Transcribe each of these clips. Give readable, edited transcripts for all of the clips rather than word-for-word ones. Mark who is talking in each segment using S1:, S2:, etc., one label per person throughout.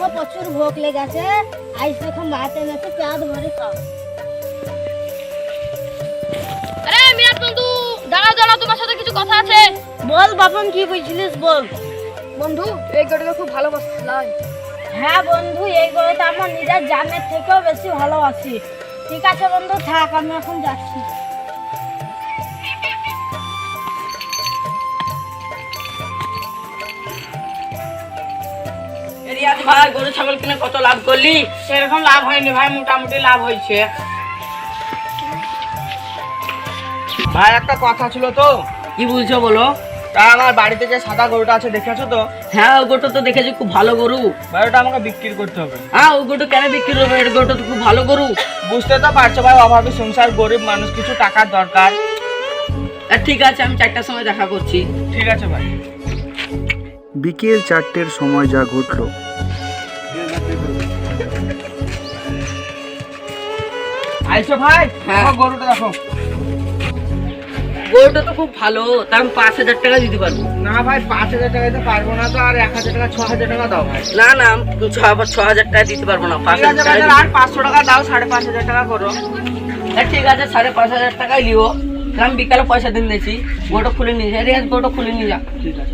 S1: প্রচুর ভোগ লেগেছে, আইস দেখো মাতে নাতে পেট ভরে খাও।
S2: আরে মিরাজ বন্ধু, দাঁড়াও দাঁড়াও, তোমার সাথে কিছু কথা আছে।
S1: বল বাপন, কি বুঝছিলিস বল।
S2: বন্ধু, এই গরুটা খুব ভালোবাসলাম।
S1: হ্যাঁ বন্ধু, এই গরুটা আমার নিজের জানের থেকেও বেশি ভালোবাসি। ঠিক আছে বন্ধু, থাক, আমি এখন যাচ্ছি।
S3: রিয়াজ ভাই, গরু ছাগল কিনে কত লাভ করলি?
S4: সেরকম লাভ হয়নি ভাই, মোটামুটি লাভ হয়েছে। ভাই একটা কথা ছিল তো।
S3: কি বলছো বলো?
S4: তা আমার বাড়িতে যে সাদা গরুটা আছে দেখেছো তো?
S3: হ্যাঁ, ওই গরুটা তো দেখেছি, খুব ভালো গরু।
S4: ভাই ওটা আমাকে বিক্রি করতে হবে।
S3: হ্যাঁ, ওই গরুটা কেন বিক্রি হবে? এই গরুটা তো খুব ভালো গরু।
S4: বুঝতে তো পারছো ভাই, অভাবী সংসার, গরিব মানুষ, কিছু টাকার দরকার।
S3: ঠিক আছে, আমি 4টার সময় দেখা করছি।
S4: ঠিক আছে ভাই।
S5: বিকেল 4টের সময় যা ঘটল।
S4: আইসো ভাই,
S3: হ্যাঁ।
S4: দেখো গরুটা দেখো।
S3: গরুটা তো খুব ভালো, তার আমি 5,000 টাকা দিতে পারবো।
S4: না ভাই, 5,000 টাকা দিতে পারবো না তো, আর 1,000 টাকা 6,000 টাকা দাও ভাই।
S3: না না, আমি 6,000 টাকা দিতে পারবো না,
S4: ঠিক
S3: 5,000
S4: আছে
S3: টাকা
S4: ভাই,
S3: দিতে-
S4: আর 500 টাকা দাও, 5,500 টাকা করো।
S3: ঠিক আছে, 5,500 টাকাই লিও। আমি বিকালে পয়সা দিন দিয়েছি, গরুটা খুলে নিয়ে যা। রিয়াজ, গরুটা খুলে নিয়ে যা।
S4: ঠিক আছে।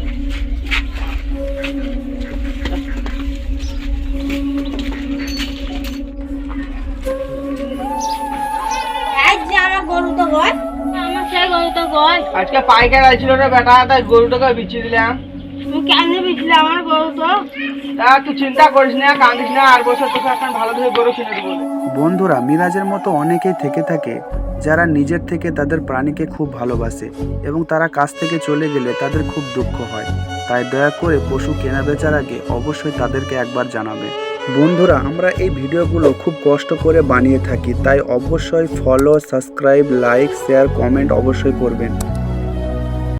S1: এই যে আমার গরুটা গয়, আমার সেই গরুটা গয়।
S4: আজকে পাইকার আইছিল রে বেটা, তাই গরুটাকে বিচিয়ে দিলাম।
S1: তুমি কেন বিচলে আমার গরু? তো
S4: তা তুই চিন্তা করিস না, কান্দিস না, আর বছর তোকে এখন ভালো ধরে গরু কিনে দেবো।
S5: বন্ধুরা, মিরাজের মতো অনেকেই থেকে থাকে যারা নিজের থেকে তাদের প্রাণীকে খুব ভালোবাসে এবং তারা কাছ থেকে চলে গেলে তাদের খুব দুঃখ হয়। তাই দয়া করে পশু কেনা বেচার আগে অবশ্যই তাদেরকে একবার জানাবে। বন্ধুরা, আমরা এই ভিডিওগুলো খুব কষ্ট করে বানিয়ে থাকি, তাই অবশ্যই follow, subscribe, like, share, comment অবশ্যই করবেন।